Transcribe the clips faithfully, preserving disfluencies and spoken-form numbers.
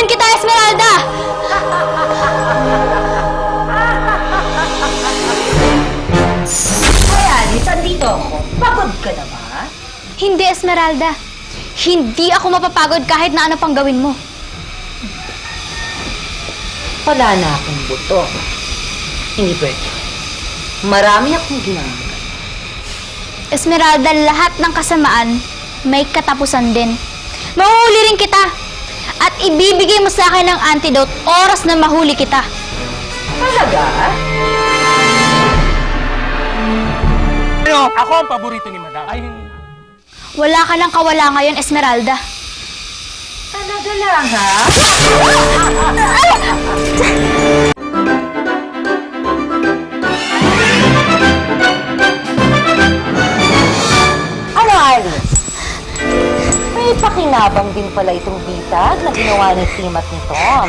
Mahuhulihin kita, Esmeralda! Ay, Alice, andito ako. Pagod ka na ba? Hindi, Esmeralda. Hindi ako mapapagod kahit na ano pang gawin mo. Wala na akong buto. Hindi pwede. Marami akong ginagawa. Esmeralda, lahat ng kasamaan may katapusan din. Mahuhuli rin kita. At ibibigay mo sa akin ng antidote oras na mahuli kita. Talaga? Ano? Ako ang paborito ni Madam. Ay, Wala ka ng kawala ngayon, Esmeralda. Talaga lang, ha? Ano, Alice? May pakinabang din pala itong bitag na ginawa ni Tim at ni Tom.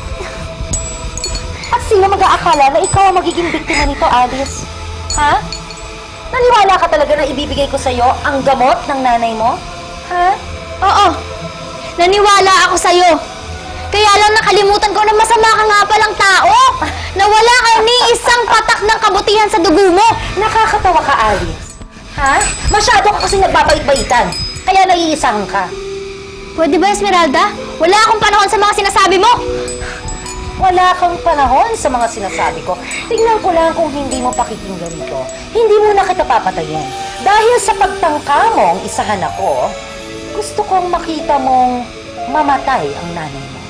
At sino mag-aakala na ikaw ang magiging biktima nito, Alice? Ha? Naniwala ka talaga na ibibigay ko sa'yo ang gamot ng nanay mo? Ha? Oo. Naniwala ako sa'yo. Kaya lang nakalimutan ko na masama ka nga palang tao. Na wala ka ni isang patak ng kabutihan sa dugo mo. Nakakatawa ka, Alice. Ha? Masyado ka kasi nagbabait-baitan. Kaya naiisang ka. Pwede ba, Esmeralda? Wala akong panahon sa mga sinasabi mo. Wala kang panahon sa mga sinasabi ko. Tingnan ko lang kung hindi mo pakikinggan ito. Hindi mo na kita papatayin. Dahil sa pagtangka mong isahan ako, gusto kong makita mong mamatay ang nanay mo.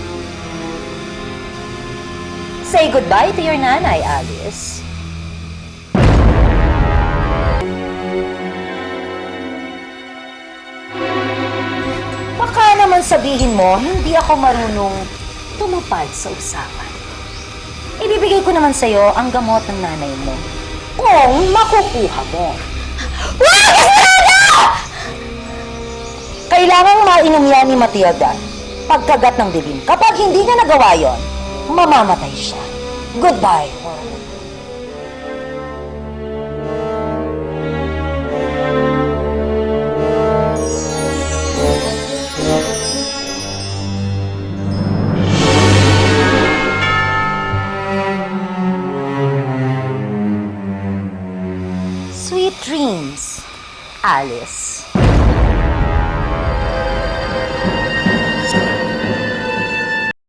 Say goodbye to your nanay, Alice. Baka naman sabihin mo, hindi ako marunong tumupad sa usapan. Ibibigay ko naman sa'yo ang gamot ng nanay mo. Kung makukuha mo. Kailangang mainom yan ni Matilda pagkagat ng dilim. Kapag hindi niya nagawa yon, mamamatay siya. Goodbye. Sweet dreams, Alice.